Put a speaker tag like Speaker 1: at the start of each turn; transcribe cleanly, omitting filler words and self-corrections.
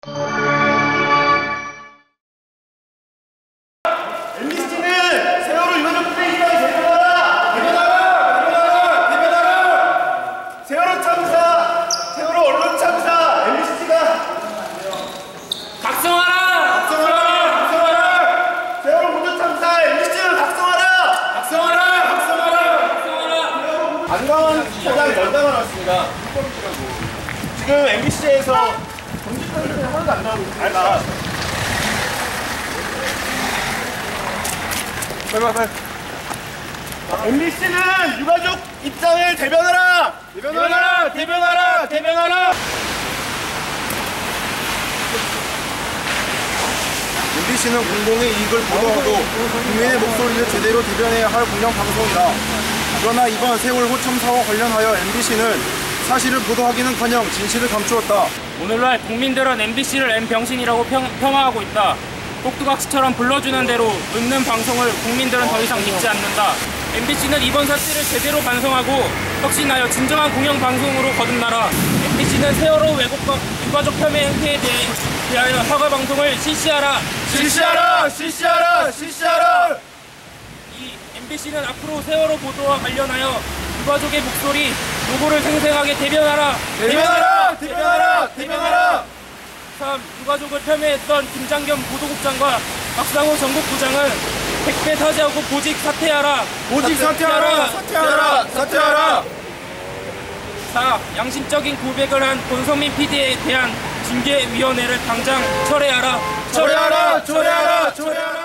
Speaker 1: MBC는 세월호 유가족 플레이스를 대변하라! 대변하라! 대변하라! 세월호 참사, 세월호 언론 참사, MBC가
Speaker 2: 각성하라!
Speaker 1: 각성하라! 각성하라! 세월호 모두 참사, MBC는 각성하라! 각성하라! 각성하라!
Speaker 2: 각성하라!
Speaker 1: 안광원 차장 연당을 왔습니다. 지금 MBC에서 정치판이 하나도 안 나오고 있습니다. 빨리. MBC는 유가족 입장을 대변하라! 대변하라! 대변하라! 대변하라!
Speaker 3: MBC는 공공의 이익을 보도하고 국민의 목소리를 제대로 대변해야 할 공영방송이다. 그러나 이번 세월호 참사와 관련하여 MBC는 사실을 보도하기는커녕 진실을 감추었다.
Speaker 2: 오늘날 국민들은 MBC를 M병신이라고 폄하하고 있다. 꼭두각시처럼 불러주는 대로 읊는 방송을 국민들은 더 이상 믿지 않는다. MBC는 이번 사실을 제대로 반성하고 혁신하여 진정한 공영방송으로 거듭나라. MBC는 세월호 왜곡과 유가족 폄훼 행태에 대하여 사과 방송을 실시하라.
Speaker 1: 실시하라! 실시하라! 실시하라!
Speaker 2: 이 MBC는 앞으로 세월호 보도와 관련하여 유가족의 목소리, 노고를 생생하게 대변하라.
Speaker 1: 대변하라! 대변하라! 대변하라!
Speaker 2: 3. 유가족을 폄훼했던 김장겸 보도국장과 박상호 전국부장은 택배 사죄하고 보직 사퇴하라.
Speaker 1: 보직 사퇴하라! 사퇴하라! 사퇴하라!
Speaker 2: 4. 양심적인 고백을 한 권성민 PD에 대한 징계위원회를 당장 철회하라.
Speaker 1: 철회하라! 철회하라! 철회하라!